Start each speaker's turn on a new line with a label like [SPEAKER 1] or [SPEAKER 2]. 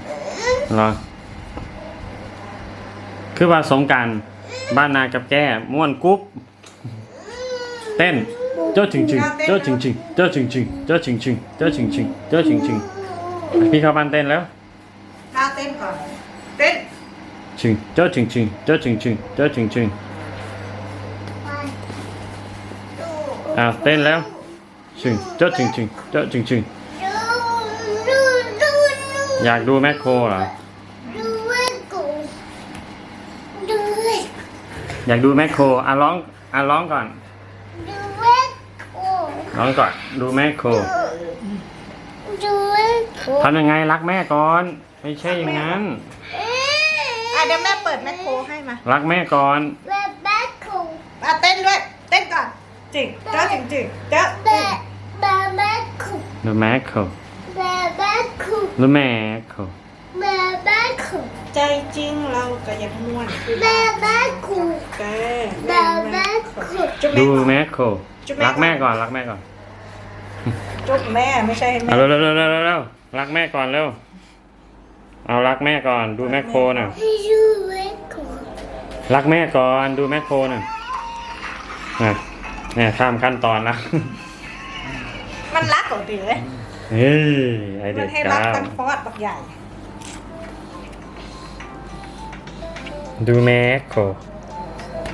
[SPEAKER 1] เหรอคือว่าสงกรานต์บ้านนากับแก้ม่วนกุ๊บเต้นเจ้าจริงจริงเจ้าจริงจริงเจ้าจริงจริงเจ้าจริงจริงเจ้าจริงจริงเจ้าจริงจริงพี่เข้าบ้านเต้นแล้ว
[SPEAKER 2] ท่าเต้นก่อนเต้น
[SPEAKER 1] จริงเจ้าจริงจริงเจ้าจริงจริงเจ้าจริงจริงเต้นแล้วจริงเจ้าจริงจริงเจ้าจริงจริงอยากดูแมคโครเหรออยากดูแมคโครร้องก่อนร้องก่อนดูแมคโครทำยังไงรักแม่ก่อนไม่ใช่อย่างนั้น
[SPEAKER 2] เดี๋ยวแม่เปิดแมคโครให้มา
[SPEAKER 1] รักแม่ก่อน
[SPEAKER 2] เต้นด้วยเต้นก่อนจริงเจ้าจริงจริงเจ้า
[SPEAKER 1] ดูแมคโครดูแมคโคร
[SPEAKER 2] ใจจริงเราก็ยังม่วนแก
[SPEAKER 1] ดูแมคโครรักแม่ก่อนรักแม่ก่อน
[SPEAKER 2] จุ๊บแม่ไม่ใช่ให้แม่
[SPEAKER 1] เร็วรักแม่ก่อนเร็วเอารักแม่ก่อนดูแมคโครน่ะรักแม่ก่อนดูแมคโครน่ะเนี่ยข้ามขั้นตอนละ
[SPEAKER 2] มันรักของดีเลย
[SPEAKER 1] เฮ้ยไอเด็
[SPEAKER 2] มัน
[SPEAKER 1] ก
[SPEAKER 2] ให้รักกันฟอดบักใหญ่
[SPEAKER 1] ดูแมคโคร